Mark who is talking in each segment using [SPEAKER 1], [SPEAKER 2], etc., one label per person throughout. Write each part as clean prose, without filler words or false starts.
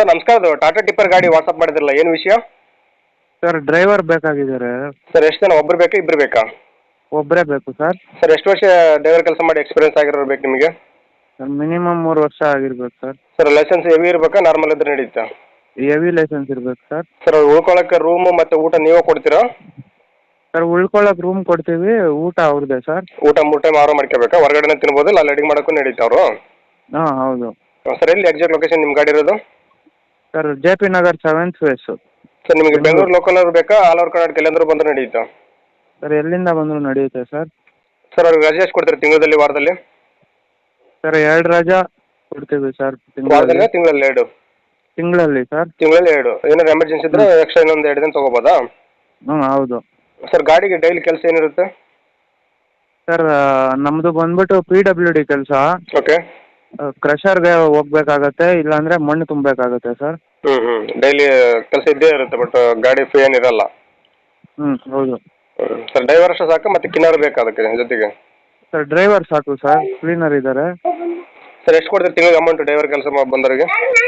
[SPEAKER 1] Sir ನಮಸ್ಕಾರ, ಅದು Tata tipper ಗಾಡಿ ವಾಟ್ಸಪ್ ಮಾಡಿದ್ರಲ್ಲ, ಏನು ವಿಷಯ?
[SPEAKER 2] Sir driver ಬೇಕಾಗಿದ್ದಾರೆ.
[SPEAKER 1] ಸರ್ ಎಷ್ಟು ಜನ, ಒಬ್ಬರು ಬೇಕಾ ಇಬ್ಬರು ಬೇಕಾ?
[SPEAKER 2] ಒಬ್ಬರೇ ಬೇಕು ಸರ್.
[SPEAKER 1] ಸರ್ ಎಷ್ಟು ವರ್ಷ ಡ್ರೈವರ್ ಕೆಲಸ ಮಾಡಿ ಎಕ್ಸ್ಪೀರಿಯನ್ಸ್ ಆಗಿರೋರು ಬೇಕು ನಿಮಗೆ?
[SPEAKER 2] ಸರ್ ಮಿನಿಮಮ್ 3 ವರ್ಷ ಆಗಿರ್ಬೇಕು ಸರ್.
[SPEAKER 1] ಸರ್ ಲೈಸೆನ್ಸ್ ಹೆವಿ ಇರಬೇಕಾ, ನಾರ್ಮಲ್ ಇದ್ರೆ ನಡೀತಾ?
[SPEAKER 2] ಹೆವಿ ಲೈಸೆನ್ಸ್ ಇರ್ಬೇಕು ಸರ್.
[SPEAKER 1] ಸರ್ ಉಳ್ಕೊಳ್ಳೋಕ್ಕೆ ರೂಮು ಮತ್ತು ಊಟ ನೀವೇ ಕೊಡ್ತೀರಾ?
[SPEAKER 2] ಸರ್ ಉಳ್ಕೊಳ್ಳೋಕೆ ರೂಮ್ ಕೊಡ್ತೀವಿ, ಊಟ ಅವ್ರದ್ದೇ ಸರ್.
[SPEAKER 1] ಊಟ 3 ಟೈಮ್ ಆರು ಮಾಡ್ಕೋಬೇಕಾ? ಹೊರಗಡೆನೇ ತಿನ್ಬೋದು, ಇಲ್ಲ ಅಲ್ಲಿ ಅಡಿಗೆ ಮಾಡೋಕ್ಕೂ ನಡೀತಾ ಅವರು?
[SPEAKER 2] ಹಾಂ ಹೌದು.
[SPEAKER 1] ಸರ್ ಎಲ್ಲಿ ಎಕ್ಸಾಕ್ಟ್ ಲೊಕೇಶನ್ ನಿಮ್ಮ ಗಾಡಿ ಇರೋದು?
[SPEAKER 2] Sir JP Nagar 7th phase.
[SPEAKER 1] Sir ನಿಮಗೆ ಬೆಂಗಳೂರು ಲೋಕಲ್ ಅವ್ರು ಬೇಕಾ, ಆಲ್ ಓವರ್ ಕರ್ನಾಟಕ ಎಲ್ಲಂದ್ರೂ ಬಂದರೂ ನಡೀತಾ?
[SPEAKER 2] ಸರ್ ಎಲ್ಲಿಂದ ಬಂದರೂ ನಡೆಯುತ್ತೆ ಸರ್.
[SPEAKER 1] ಸರ್ ಅವ್ರಿಗೆ ರಜೆ ಎಷ್ಟು ಕೊಡ್ತೀರಾ ತಿಂಗಳಲ್ಲಿ, ವಾರದಲ್ಲಿ?
[SPEAKER 2] ಸರ್ 2 ರಜಾ ಕೊಡ್ತೀವಿ ಸರ್
[SPEAKER 1] ವಾರದಲ್ಲಿ, ತಿಂಗಳಲ್ಲಿ 2?
[SPEAKER 2] ತಿಂಗಳಲ್ಲಿ ಸರ್.
[SPEAKER 1] ತಿಂಗಳಲ್ಲಿ 2. ಏನಾದ್ರು ಎಮರ್ಜೆನ್ಸಿ ಇದ್ರೆ ಎಕ್ಸ್ಟ್ರಾ ಇನ್ನೊಂದು 2 ದಿನ ತೊಗೋಬೋದಾ?
[SPEAKER 2] ಹ್ಞೂ ಹೌದು.
[SPEAKER 1] ಸರ್ ಗಾಡಿಗೆ ಡೈಲಿ ಕೆಲಸ ಏನಿರುತ್ತೆ?
[SPEAKER 2] ಸರ್ ನಮ್ಮದು ಬಂದ್ಬಿಟ್ಟು PWD ಕೆಲಸ.
[SPEAKER 1] ಓಕೆ.
[SPEAKER 2] ಕ್ರಷರ್ಗೆ ಹೋಗ್ಬೇಕಾಗತ್ತೆ, ಇಲ್ಲಾಂದರೆ ಮಣ್ಣು ತುಂಬಬೇಕಾಗತ್ತೆ ಸರ್.
[SPEAKER 1] ಡೈಲಿ ಕೆಲಸ ಇದ್ದೇ ಇರುತ್ತೆ, ಬಟ್ ಗಾಡಿ ಫ್ರೀ ಏನಿರಲ್ಲ.
[SPEAKER 2] ಹೌದು.
[SPEAKER 1] ಸರ್ ಡ್ರೈವರ್ ಅಷ್ಟು ಸಾಕು, ಮತ್ತೆ ಕಿನ್ನರ್ ಬೇಕಾ ಅದಕ್ಕೆ ಜೊತೆಗೆ?
[SPEAKER 2] ಸರ್ ಡ್ರೈವರ್ ಸಾಕು ಸರ್, ಕ್ಲೀನರ್ ಇದ್ದಾರೆ.
[SPEAKER 1] ಸರ್ ಎಷ್ಟು ಕೊಡ್ತೀರಿ ತಿಂಗಳಿಗೆ ಅಮೌಂಟ್ ಡ್ರೈವರ್ ಕೆಲಸ ಬಂದವರಿಗೆ?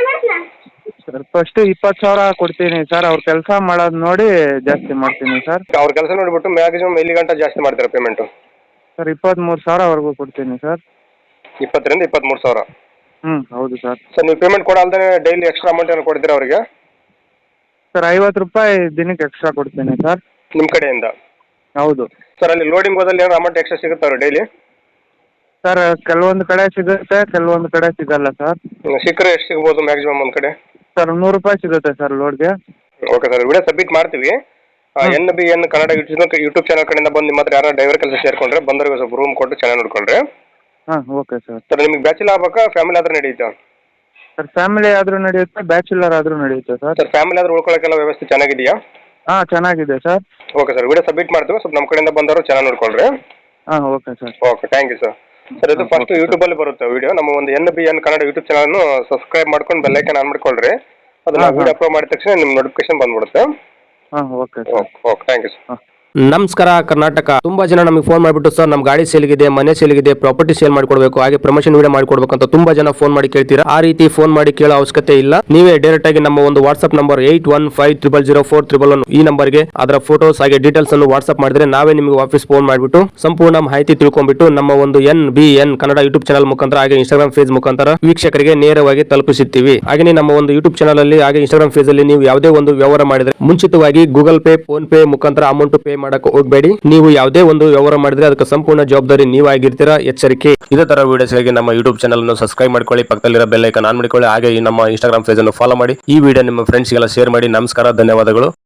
[SPEAKER 2] ಸರ್ ಫಸ್ಟ್ 20,000 ಕೊಡ್ತೀನಿ ಸರ್, ಅವ್ರ ಕೆಲಸ ಮಾಡೋದು ನೋಡಿ ಜಾಸ್ತಿ ಮಾಡ್ತೀನಿ ಸರ್.
[SPEAKER 1] ಅವ್ರ ಕೆಲಸ ನೋಡಿಬಿಟ್ಟು ಮ್ಯಾಕ್ಸಿಮಮ್ ಎಲ್ಲಿ ಗಂಟೆ ಜಾಸ್ತಿ ಮಾಡ್ತೀರಾ ಪೇಮೆಂಟು?
[SPEAKER 2] ಸರ್ 23,000ವರೆಗೂ ಕೊಡ್ತೀನಿ ಸರ್.
[SPEAKER 1] 20 ರಿಂದ 23,000?
[SPEAKER 2] ಹೌದು ಸರ್.
[SPEAKER 1] ಸರ್ ನೀವು ಪೇಮೆಂಟ್ ಕೊಡಲ್ದೇ ಡೈಲಿ ಎಕ್ಸ್ಟ್ರಾ ಅಮೌಂಟ್ ಏನು ಕೊಡ್ತೀರಾ ಅವರಿಗೆ?
[SPEAKER 2] ಸರ್ 50 ರೂಪಾಯಿ ದಿನಕ್ಕೆ ಎಕ್ಸ್ಟ್ರಾ ಕೊಡ್ತೀನಿ ಸರ್.
[SPEAKER 1] ನಿಮ್ಮ ಕಡೆಯಿಂದ?
[SPEAKER 2] ಹೌದು.
[SPEAKER 1] ಸರ್ ಅಲ್ಲಿ ಲೋಡಿಂಗ್ ಹೋದಲ್ಲಿ ಏನಾದ್ರು ಅಮೌಂಟ್ ಎಕ್ಸ್ಟ್ರಾ ಸಿಗುತ್ತೆ ಅವ್ರು ಡೈಲಿ?
[SPEAKER 2] ಸರ್ ಕೆಲವೊಂದು ಕಡೆ ಸಿಗುತ್ತೆ, ಕೆಲವೊಂದು ಕಡೆ ಸಿಗಲ್ಲ ಸರ್.
[SPEAKER 1] ಸಿಕ್ಕರೆ ಎಷ್ಟು ಸಿಗ್ಬೋದು ಮ್ಯಾಕ್ಸಿಮಮ್ ಒಂದು ಕಡೆ?
[SPEAKER 2] ಸರ್ 100 ರೂಪಾಯಿ ಸಿಗುತ್ತೆ ಸರ್ ಲೋಡ್ಗೆ.
[SPEAKER 1] ಓಕೆ ಸರ್, ವಿಡಿಯೋ ಸಬ್ಮಿಟ್ ಮಾಡ್ತೀವಿ. NBN ಕನ್ನಡ ಯೂಟ್ಯೂಬ್ ಚಾನಲ್ ಕಡೆಯಿಂದ ಬಂದು ನಿಮ್ಮ ಹತ್ರ ಯಾರು ಡ್ರೈವರ್ ಕೆಲಸ ಸೇರ್ಕೊಂಡ್ರೆ ಬಂದವರಿಗೆ ಸ್ವಲ್ಪ ರೂಮ್ ಕೊಟ್ಟು ಚೆನ್ನಾಗಿ ನೋಡ್ಕೊಂಡ್ರೆ.
[SPEAKER 2] Okay sir.
[SPEAKER 1] ಸರ್ ನಿಮಗೆ ಬ್ಯಾಚುಲರ್ ಆಗ್ಬೇಕಾ, ಫ್ಯಾಮಿಲಿ ಆದ್ರೆ ನಡೆಯುತ್ತಾ?
[SPEAKER 2] ಸರ್ ಫ್ಯಾಮಿಲಿ ಆದರೂ ನಡೆಯುತ್ತೆ, ಬ್ಯಾಚುಲರ್ ಆದರೂ ನಡೆಯುತ್ತೆ ಸರ್.
[SPEAKER 1] ಸರ್ ಫ್ಯಾಮಿಲಿ ಆದ್ರೆ ಉಳ್ಕೊಳ್ಳೋಕ್ಕೆಲ್ಲ ವ್ಯವಸ್ಥೆ ಚೆನ್ನಾಗಿದೆಯಾ?
[SPEAKER 2] ಚೆನ್ನಾಗಿದೆ sir.
[SPEAKER 1] Okay sir, video submit ಮಾಡ್ತೀವಿ, ಸ್ವಲ್ಪ ನಮ್ಮ ಕಡೆಯಿಂದ ಬಂದವರು ಚೆನ್ನಾಗಿ ನೋಡ್ಕೊಳ್ರಿ.
[SPEAKER 2] Okay sir.
[SPEAKER 1] Okay, thank you sir. Sir ಇದು ಫಸ್ಟ್ ಯೂಟ್ಯೂಬಲ್ಲಿ ಬರುತ್ತೆ ವಿಡಿಯೋ, ನಮ್ಮ ಒಂದು NBN ಕನ್ನಡ ಯೂಟ್ಯೂಬ್ ಚಾನಲ್ನು ಸಬ್ಸ್ಕ್ರೈಬ್ ಮಾಡ್ಕೊಂಡು ಬೆಲ್ಲೈಕನ್ ಆನ್ ಮಾಡ್ಕೊಳ್ರಿ. ಅದನ್ನ ವಿಡಿಯೋ ಅಪ್ಲೋಡ್ ಮಾಡಿದ ತಕ್ಷಣ ನಿಮ್ಮ ನೋಟಿಫಿಕೇಶನ್ ಬಂದ್ಬಿಡುತ್ತೆ.
[SPEAKER 2] Okay
[SPEAKER 1] thank you sir.
[SPEAKER 3] ನಮಸ್ಕಾರ ಕರ್ನಾಟಕ. ತುಂಬಾ ಜನ ನಮಗೆ ಫೋನ್ ಮಾಡಿಬಿಟ್ಟು ಸರ್ ನಮ್ಮ ಗಾಡಿ ಸೇಲ್ಗಿದೆ, ಮನೆ ಸೇಲ್ಗಿದೆ, ಪ್ರಾಪರ್ಟಿ ಸೇಲ್ ಮಾಡ್ಕೊಡ್ಬೇಕು, ಹಾಗೆ ಪ್ರಮೋಷನ್ ವಿಡಿಯೋ ಮಾಡ್ಕೊಡ್ಬೇಕು ಅಂತ ತುಂಬಾ ಜನ ಫೋನ್ ಮಾಡಿ ಕೇಳ್ತೀರಾ. ಆ ರೀತಿ ಫೋನ್ ಮಾಡಿ ಕೇಳೋ ಅವಶ್ಯಕತೆ ಇಲ್ಲ. ನೀವೇ ಡೈರೆಕ್ಟ್ ಆಗಿ ನಮ್ಮ ಒಂದು ವಾಟ್ಸ್ಆಪ್ ನಂಬರ್ 8150004111 ಈ ನಂಬರ್ಗೆ ಅದರ ಫೋಟೋಸ್ ಹಾಗೆ ಡೀಟೇಲ್ಸ್ ಅನ್ನು ವಾಟ್ಸ್ಆಪ್ ಮಾಡಿದ್ರೆ ನಾವೇ ನಿಮಗೆ ವಾಪಸ್ ಫೋನ್ ಮಾಡಿಬಿಟ್ಟು ಸಂಪೂರ್ಣ ಮಾಹಿತಿ ತಿಳ್ಕೊಂಡ್ಬಿಟ್ಟು ನಮ್ಮ ಒಂದು NBN ಕನ್ನಡ ಯೂಟ್ಯೂಬ್ ಚಾನಲ್ ಮುಖಾಂತರ ಹಾಗೆ ಇನ್ಸ್ಟಾಗ್ರಾಮ್ ಪೇಜ್ ಮುಖಾಂತರ ವೀಕ್ಷಕರಿಗೆ ನೇರವಾಗಿ ತಲುಪಿಸುತ್ತೀವಿ. ಹಾಗೆ ನಮ್ಮ ಒಂದು ಯೂಟ್ಯೂಬ್ ಚಾನಲ್ ಅಲ್ಲಿ ಹಾಗೆ ಇನ್ಸ್ಟಾಗ್ರಾಮ್ ಪೇಜ್ ಅಲ್ಲಿ ನೀವು ಯಾವುದೇ ಒಂದು ವ್ಯವಹಾರ ಮಾಡಿದ್ರೆ ಮುಂಚಿತವಾಗಿ ಗೂಗಲ್ ಪೇ, ಫೋನ್ ಪೇ ಮುಖಾಂತರ ಅಮೌಂಟ್ ಪೇ ಮಾಡಕ್ಕೆ ಹೋಗಬೇಡಿ. ನೀವು ಯಾವುದೇ ಒಂದು ವ್ಯವಹಾರ ಮಾಡಿದ್ರೆ ಅದಕ್ಕೆ ಸಂಪೂರ್ಣ ಜವಾಬ್ದಾರಿ ನೀವಾಗಿರ್ತೀರಾ, ಎಚ್ಚರಿಕೆ. ಇದೇ ತರ ವಿಡಿಯೋಸ್ಗಾಗಿ ನಮ್ಮ ಯೂಟ್ಯೂಬ್ ಚಾನಲ್ ಅನ್ನು ಸಬ್ಸ್ಕ್ರೈಬ್ ಮಾಡ್ಕೊಳ್ಳಿ, ಪಕ್ಕದಲ್ಲಿರೋ ಬೆಲ್ ಐಕಾನ್ ಆನ್ ಮಾಡಿಕೊಳ್ಳಿ, ಹಾಗೆ ನಮ್ಮ ಇನ್ಸ್ಟಾಗ್ರಾಮ್ ಪೇಜ್ ಅನ್ನು ಫಾಲೋ ಮಾಡಿ. ಈ ವಿಡಿಯೋ ನಿಮ್ಮ ಫ್ರೆಂಡ್ಸ್ಗೆಲ್ಲ ಶೇರ್ ಮಾಡಿ. ನಮಸ್ಕಾರ, ಧನ್ಯವಾದಗಳು.